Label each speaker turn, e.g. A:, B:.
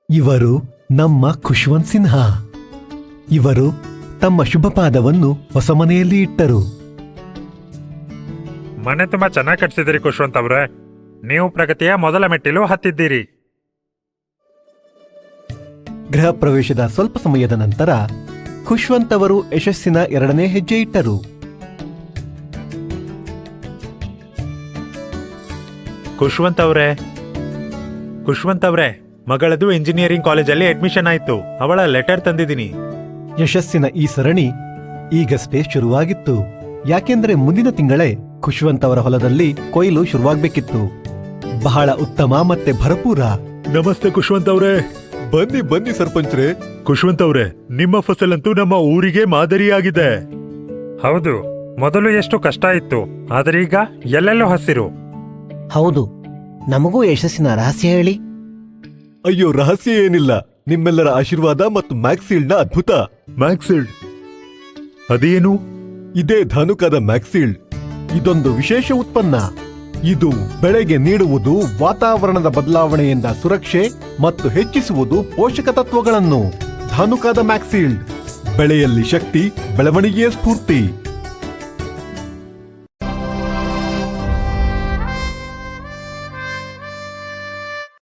A: ಇವರು ನಮ್ಮ ಖುಷ್ವಂತ್ ಸಿನ್ಹಾ. ಇವರು ತಮ್ಮ ಶುಭ ಪಾದವನ್ನು ಹೊಸ ಮನೆಯಲ್ಲಿ ಇಟ್ಟರು.
B: ಮನೆ ತುಂಬಾ ಚೆನ್ನಾಗಿ ಕಟ್ಸಿದಿರಿ ಖುಷ್ವಂತ್ ಅವ್ರೆ. ನೀವು ಪ್ರಗತಿಯ ಮೊದಲ ಮೆಟ್ಟಿಲು ಹತ್ತಿದ್ದೀರಿ.
A: ಗೃಹ ಪ್ರವೇಶದ ಸ್ವಲ್ಪ ಸಮಯದ ನಂತರ ಖುಷ್ವಂತ್ ಅವರು ಯಶಸ್ಸಿನ 2ನೇ ಹೆಜ್ಜೆ ಇಟ್ಟರು.
B: ಖುಷ್ವಂತ್ ಅವ್ರೆ, ಮಗಳದು ಇಂಜಿನಿಯರಿಂಗ್ ಕಾಲೇಜಲ್ಲಿ ಅಡ್ಮಿಷನ್ ಆಯ್ತು. ಅವಳ ಲೆಟರ್ ತಂದಿದ್ದೀನಿ.
A: ಯಶಸ್ಸಿನ ಈ ಸರಣಿ ಈಗಷ್ಟೇ ಶುರುವಾಗಿತ್ತು. ಯಾಕೆಂದ್ರೆ ಮುಂದಿನ ತಿಂಗಳೇ ಖುಷ್ವಂತ್ ಅವರ ಹೊಲದಲ್ಲಿ ಕೊಯ್ಲು ಶುರುವಾಗ್ಬೇಕಿತ್ತು. ಬಹಳ ಉತ್ತಮ ಮತ್ತೆ ಭರಪೂರ.
B: ನಮಸ್ತೆ ಖುಷ್ವಂತ್ ಅವ್ರೆ.
A: ಬನ್ನಿ ಬನ್ನಿ ಸರ್ಪಂಚ್ರೆ.
B: ಖುಷ್ವಂತ್ ಅವ್ರೆ, ನಿಮ್ಮ ಫಸಲಂತೂ ನಮ್ಮ ಊರಿಗೆ ಮಾದರಿಯಾಗಿದೆ. ಹೌದು, ಮೊದಲು ಎಷ್ಟು ಕಷ್ಟ ಇತ್ತು, ಆದ್ರೆ ಈಗ ಎಲ್ಲೆಲ್ಲೂ ಹಸಿರು.
C: ಹೌದು, ನಮಗೂ ಯಶಸ್ಸಿನ ರಹಸ್ಯ ಹೇಳಿ.
A: ಅಯ್ಯೋ, ರಹಸ್ಯ ಏನಿಲ್ಲ. ನಿಮ್ಮೆಲ್ಲರ ಆಶೀರ್ವಾದ ಮತ್ತು ಮ್ಯಾಕ್ಸೀಲ್ಡ್ನ ಅದ್ಭುತ.
B: ಮ್ಯಾಕ್ಸಿಲ್ಡ್ ಅದೇನು?
A: ಇದೇ ಧಾನುಕದ ಮ್ಯಾಕ್ಸೀಲ್ಡ್. ಇದೊಂದು ವಿಶೇಷ ಉತ್ಪನ್ನ. ಇದು ಬೆಳೆಗೆ ನೀಡುವುದು ವಾತಾವರಣದ ಬದಲಾವಣೆಯಿಂದ ಸುರಕ್ಷೆ ಮತ್ತು ಹೆಚ್ಚಿಸುವುದು ಪೋಷಕ ತತ್ವಗಳನ್ನು. ಧಾನುಕದ ಮ್ಯಾಕ್ಸೀಲ್ಡ್, ಬೆಳೆಯಲ್ಲಿ ಶಕ್ತಿ, ಬೆಳವಣಿಗೆಯ ಸ್ಫೂರ್ತಿ.